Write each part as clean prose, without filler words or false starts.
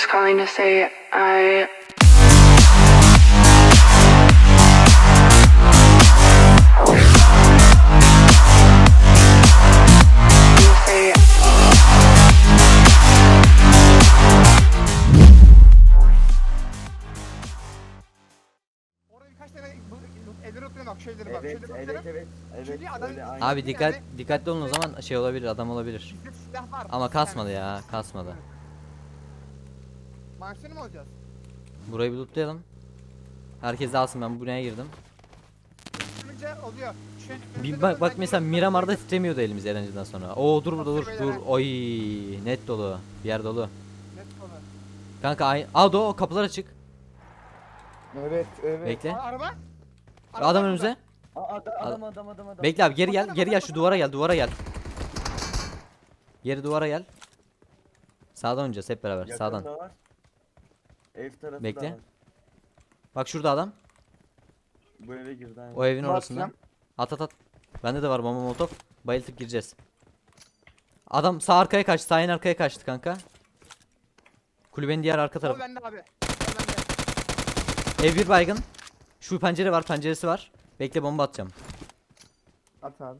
just calling to say I say Orada birkaç tane elleri oturuyor bak şöyle bak Evet, şöyle evet, bakıyorum. evet, evet, Çünkü adam- öyle aynı. Abi dikkatli olun o zaman şey olabilir, adam olabilir. Bizde silah var. Ama kasmadı ya, kasmadı. Manşeri mi alacağız? Burayı bir lootlayalım. Herkes de alsın, ben buraya girdim. Sürünce oluyor. Bir bak mesela Miramar'da titremiyordu elimiz eğlenceden sonra. Oo dur burada dur. Oy net dolu. Bir yer dolu. Net konu. Kanka aa o kapılar açık. Evet, evet. Bekle. Araba? Adam önümüze. Adam. Bekle abi, geri gel şu duvara gel. Geri duvara gel. Sağdan oynayacağız hep beraber, Yakın sağdan. da var. Ev tarafı Bekle. da var. Bak şurada adam. Bu eve girdi aynı. O evin Bak orasında. lan. At. Bende de var bomba molotof. Bayıltıp gireceğiz. Adam sağ arkaya kaçtı. Sağ en arkaya kaçtı kanka. Kulübenin diğer arka O tarafı. bende abi. O bende. Ev bir baygın. Şu pencere var, penceresi var. Bekle bomba atacağım. At abi.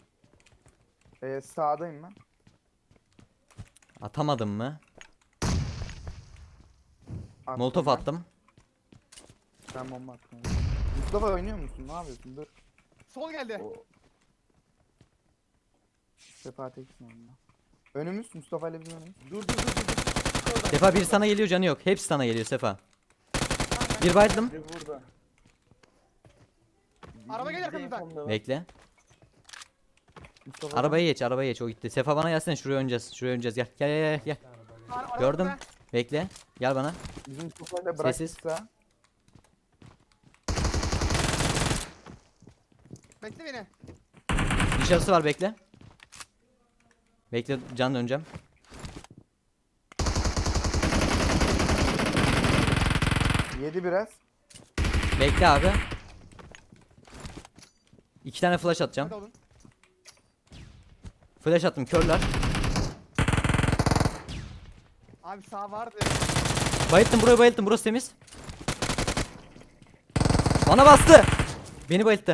Sağdayım ben. Atamadım mı? Attım Molotof ben. attım. Ben bomba attım. Mustafa oynuyor musun? Ne yapıyorsun? Dur. Sol geldi. O- Sefa teksin onunla. Önümüz Mustafa ile bizim önümüz. Dur. Sefa bir sana geliyor, canı yok. Hepsi sana geliyor Sefa. Bir bayıldım. Biri burada. Araba geliyor Bir de arkamızdan. infom da var. Bekle. Mustafa Arabaya geç o gitti. Sefa bana gelsene, şuraya oynayacağız. Gel. Araba Gördüm. burada. Bekle. Gel bana. bizim Mustafa ile Sessiz. bıraktıysa. Bekle beni. Dışarısı var, bekle. Bekle, can döneceğim. Yedi biraz. Bekle abi. 2 tane flash atacağım. Hadi oğlum. Flash attım, körler. Abi sağ vardı. Bayılttım, burayı bayılttım, burası temiz. Bana bastı. Beni bayılttı.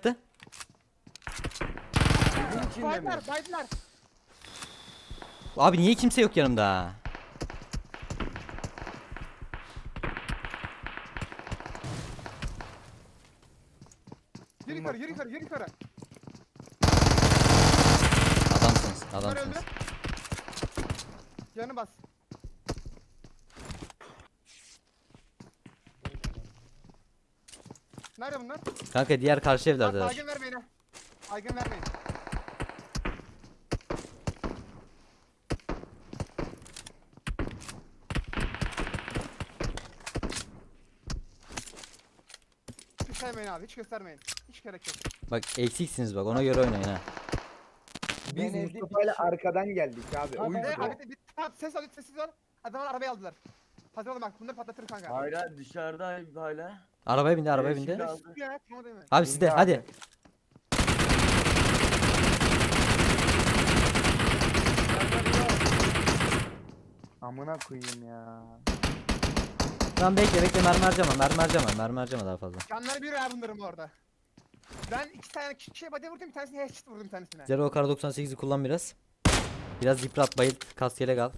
Evin içinde mi? Baydılar. Abi niye kimse yok yanımda? Yürü yukarı. Adamsınız, Bunlar öldü. adamsınız. Canı bas. Nerede bunlar? Kanka diğer karşı Bak evlerdeler. baygın vermeyin ha. Baygın vermeyin. Hiç sevmeyin abi, hiç göstermeyin. Hiç gerek yok. Bak eksiksiniz, bak ona göre oynayın ha. Biz Ben evde Mustafa ile bir kişi- arkadan geldik abi. O Tamam, yüzden. Abi bir tamam, sessiz ol. Adamlar arabayı aldılar. Hazır olun bak, bunları patlatır kanka. Hala dışarıda hala. Arabaya bindi. Şimdi aldı. Ya, tamam değil mi? Abi sizde, Bindi hadi. abi. Amına koyayım ya. Tamam bekle, mermi harcama daha fazla. Canları bir ya bunların bu arada. Ben iki tane kişiye body vurdum, bir tanesine headshot vurdum bir tanesine. Zero kar 98'i kullan biraz. Biraz yıprat, bayılt, kas yelek al.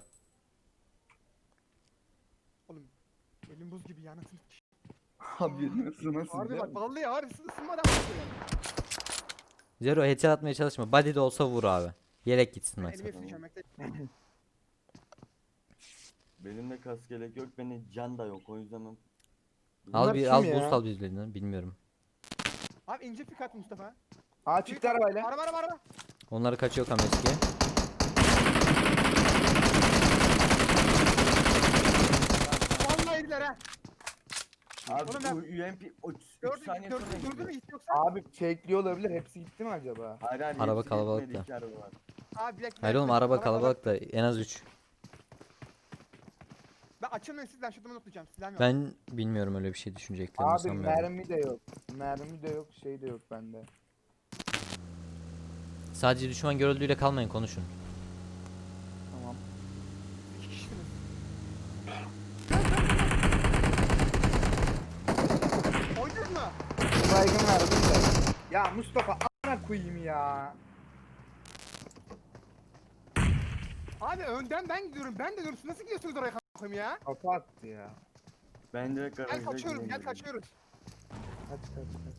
Oğlum elim buz gibi yanasın. Abi nasıl Harbi bak vallahi ya, ısınmadan bakıyor. Zero headshot atmaya çalışma. Body de olsa vur abi. Yelek gitsin Elimi maksat. hepsini çömekte. Benim de kas gerek yok. Benim can da yok. O yüzden ben... Al Bunlar bir kim al ya? boost al birbirinden, bilmiyorum. Abi ince pik at Mustafa. Aa çıktı arabayla. Araba. Onları kaçıyor Kameski. Vallahi yediler ha. Abi Oğlum ben- bu UMP o 3 saniye Gördün sonra mü gidiyor. hiç yoksa? Abi fakeliyor olabilir. Hepsi gitti mi acaba? Hayır, Araba hepsi kalabalık gitmedi, da. iki araba var. Abi bir dakika. Hayır oğlum, araba kalabalık da en az 3. Ben açılmayın siz, ben şuradan unutmayacağım. Silahım yok. Ben bilmiyorum, öyle bir şey düşüneceklerini Abi sanmıyorum. mermi de yok. Mermi de yok, şey de yok bende. Sadece düşman görüldüğüyle kalmayın, konuşun. Tamam. İki kişisiniz. Ya Mustafa a**ına koyayım ya. Abi önden ben gidiyorum. Ben de diyorum. Siz nasıl gidiyorsunuz oraya kanka ya? Kafa attı ya. Ben direkt Gel garaja kaçıyoruz. Gel gireyim. kaçıyoruz. Kaç kaç kaç.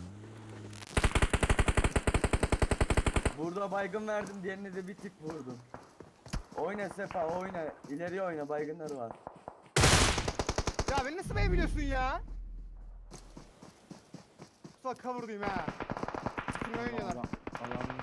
Burada baygın verdim, diğerine de bir tık vurdum. Oyna Sefa, oyna. İleriye oyna, baygınları var. Ya beni nasıl beğenbiliyorsun ya? Mustafa cover'dayım ha. Kim oynuyorlar? Allah'ım.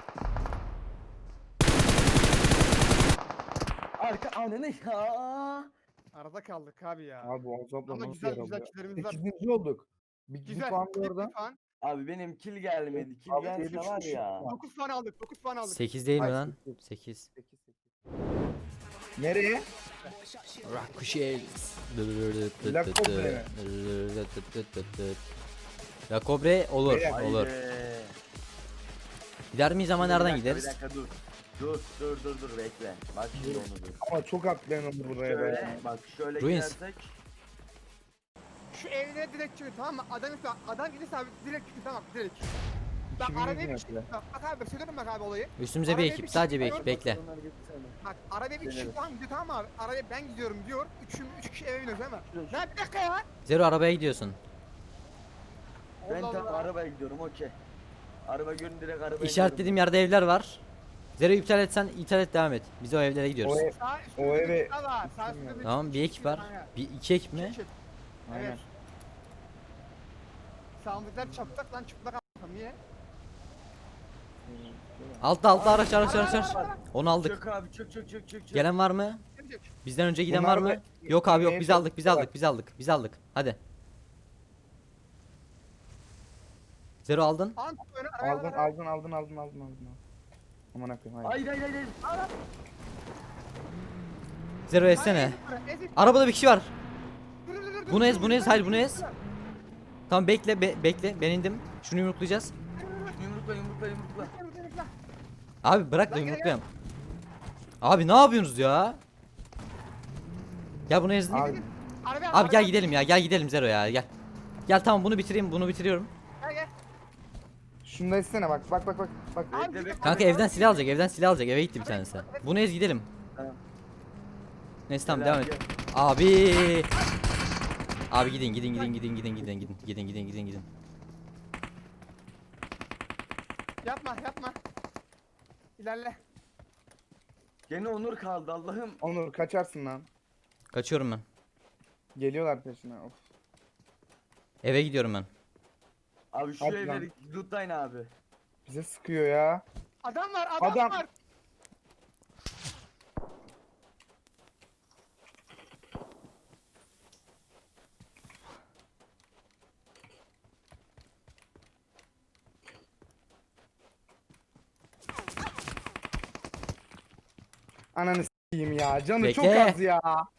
Arka ananı ya. Arada kaldık abi ya. Abi o azapla Ama nasıl güzel yer güzel alıyor? killerimiz var. 8. olduk. Bir Güzel. puan da bir orada. puan. Abi benim kill gelmedi. Kill Abi, gelse yedi var kişi ya. var. 9 puan aldık. 9 puan aldık. 8 değil mi Ay, lan? sekiz. 8. 8 Nereye? Ricochet. La Cobre. La Cobre olur, Beyler, olur. Haydi. Gider miyiz ama Bir nereden dakika, gideriz? Bir dakika dur. Dur bekle. Bak şimdi onu dur. Ama çok atlayalım buraya Şöyle be. bak şöyle Ruins. gidersek. Şu evlere direkt çıkıyor tamam mı? Adam gelirse abi direkt çıkıyor tamam direkt. Bak 2000 arabaya bir metre. çıkıyor. Bak abi söylüyorum bak abi olayı. Üstümüze bir Arabaya ekip, bir sadece bir çıkıyor. ekip bekle. Onlar gitsene. Bak arabaya bir Deneriz. kişi falan gidiyor tamam mı abi? Arabaya ben gidiyorum diyor. 3 kişi eve biniyoruz değil mi? Lan bir dakika ya. Zero arabaya gidiyorsun. Ben Allah tam Allah. arabaya gidiyorum okey. Araba görün direkt arabaya İşaretlediğim yerde evler var. Zero iptal etsen iptal et devam et. Biz o evlere gidiyoruz. O ev- Sağ üstte O bir eve- ekip daha var. Sağ üstte Tamam bir ekip var. Aynen. Bir iki ekip mi? Ekip. Aynen. Evet. Sağımdakiler çaplak lan çıplak a**am niye? Altta araç. Onu aldık. Çök abi çök. Gelen var mı? Gelecek. Bizden önce giden Bunlar var mı? da- Yok abi yok Neye biz aldık biz çalışıyorlar? aldık. Hadi. Zero aldın. An önü arabaya Aldın. Aman akım hayır. Hayır. Zero etsene. Arabada bir kişi var. Bunu ez, hayır, bunu ez. Tamam bekle bekle ben indim. Şunu yumruklayacağız. Yumrukla. Abi bırak da Lan gel, yumruklayalım. Abi ne yapıyorsunuz ya? Gel bunu ezdin. Abi Abi gel gidelim ya gel gidelim Zero ya gel. Gel tamam bunu bitireyim bunu bitiriyorum. Gel. şunu da etsene bak. Bekle. Kanka evden silah alacak eve gitti bir tanesi. Bunu ez gidelim. Tamam. Neyse tamam Gel devam abi, et. Abi. Abi gidin. Yapma. İlerle. Gene Onur kaldı Allah'ım. Onur kaçarsın lan. Kaçıyorum ben. Geliyorlar peşine. Of. Eve gidiyorum ben. Abi şu Hadi evleri lootlayın abi. Bize sıkıyor ya. Adam var. Adam. Ananı s**eyim ya. Canı çok Bekle. az ya.